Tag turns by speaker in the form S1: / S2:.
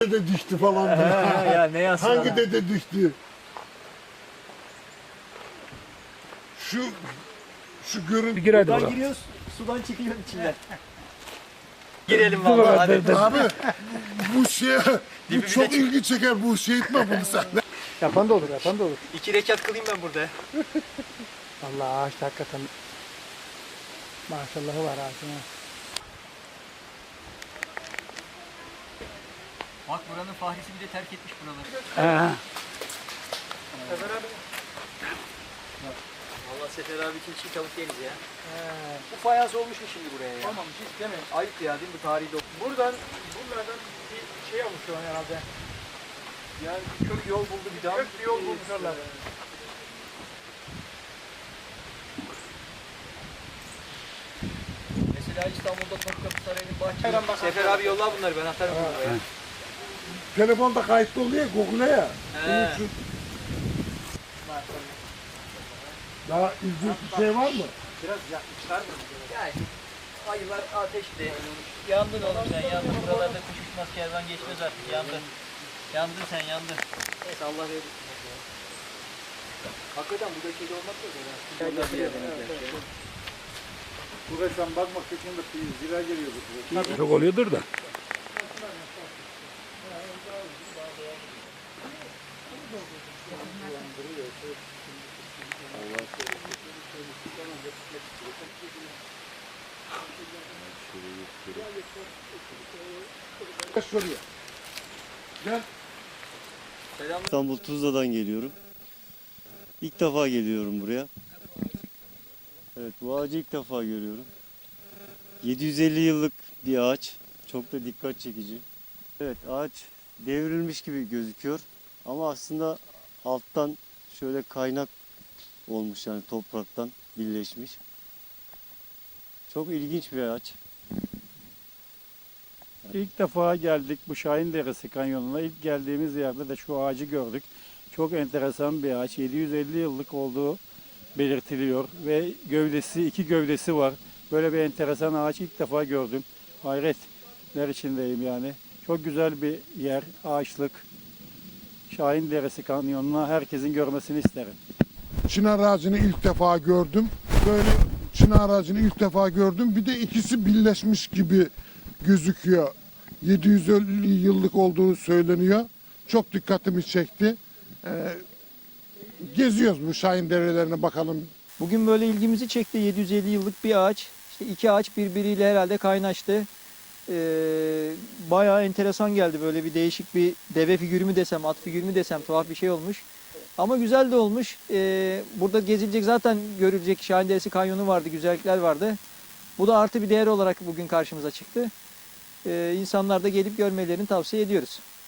S1: Dede düştü falan.
S2: Ya ne yazsın?
S1: Hangi dede düştü? Şu görüntü.
S3: Gir hadi
S2: Buradan
S3: bakalım.
S2: giriyoruz, sudan çıkıyor içinden. Girelim vallahi hadi.
S1: Abi bu şey bu
S2: Dibimize
S1: çok
S2: çık.
S1: ilgi çeker, bu şey etme bunu sen.
S3: Yapan da olur, yapan da olur.
S2: 2 rekat kılayım ben burada.
S3: Allah ağaç da hakikaten maşallahı var ağacın. ha.
S2: Bak buranın fahrisi bir de terk etmiş buraları.
S3: Ha.
S2: Valla Sefer abi için çiğ tavuk yeriz ya. Bu fayans olmuş mu şimdi buraya ya?
S3: Tamam hiç değil mi?
S2: Ayıp ya değil mi bu tarihi dokun.
S3: Bunlardan bir şey oluşuyor herhalde.
S2: Yani kök yol buldu bir daha.
S3: Kök bir yol bulmuşlar.
S2: Mesela İstanbul'da Topkapı Sarayı'nın
S3: Hayran
S2: bahçesi.
S3: bakan
S2: Sefer abi yolla bunları ben atarım buraya.
S1: Telefonda kayıtlı oluyor Google'a ya.
S2: He.
S1: Onun için daha ilginç bir şey var mı?
S3: Biraz yakmışlar mı?
S2: Yani ayılar ateşli. Yandın oğlum sen yandın. Buralarda kuş uçmaz kervan geçmez artık yandın. Yandın sen yandın. Neyse Allah verir. Hakikaten burada kedi olmak yok ya.
S4: Buraya sen bakmak için de zira geliyor bu.
S3: Çok oluyordur da.
S1: Gel şuraya. Gel.
S2: Selam.
S5: İstanbul Tuzla'dan geliyorum. İlk defa geliyorum buraya. Evet, bu ağacı ilk defa görüyorum. 750 yıllık bir ağaç. Çok da dikkat çekici. Evet, ağaç devrilmiş gibi gözüküyor. Ama aslında alttan şöyle kaynak olmuş, yani topraktan birleşmiş. Çok ilginç bir ağaç.
S4: İlk defa geldik bu Şahin Deresi kanyonuna. İlk geldiğimiz yerde de şu ağacı gördük. Çok enteresan bir ağaç. 750 yıllık olduğu belirtiliyor ve iki gövdesi var. Böyle bir enteresan ağaç ilk defa gördüm. Hayretler içindeyim yani. Çok güzel bir yer, ağaçlık. Şahin Deresi kanyonuna herkesin görmesini isterim.
S1: Çınar ağacını ilk defa gördüm. Böyle çınar ağacını ilk defa gördüm. Bir de ikisi birleşmiş gibi gözüküyor. 750 yıllık olduğu söyleniyor. Çok dikkatimi çekti. Geziyoruz bu Şahin derelerine bakalım.
S6: Bugün böyle ilgimizi çekti. 750 yıllık bir ağaç. İşte iki ağaç birbiriyle herhalde kaynaştı. Bayağı enteresan geldi. Böyle bir değişik bir deve figürü mü desem, at figürü mü desem, tuhaf bir şey olmuş. Ama güzel de olmuş. Burada gezilecek, zaten görülecek Şahin Deresi Kanyonu vardı, güzellikler vardı. Bu da artı bir değer olarak bugün karşımıza çıktı. İnsanlar da gelip görmelerini tavsiye ediyoruz.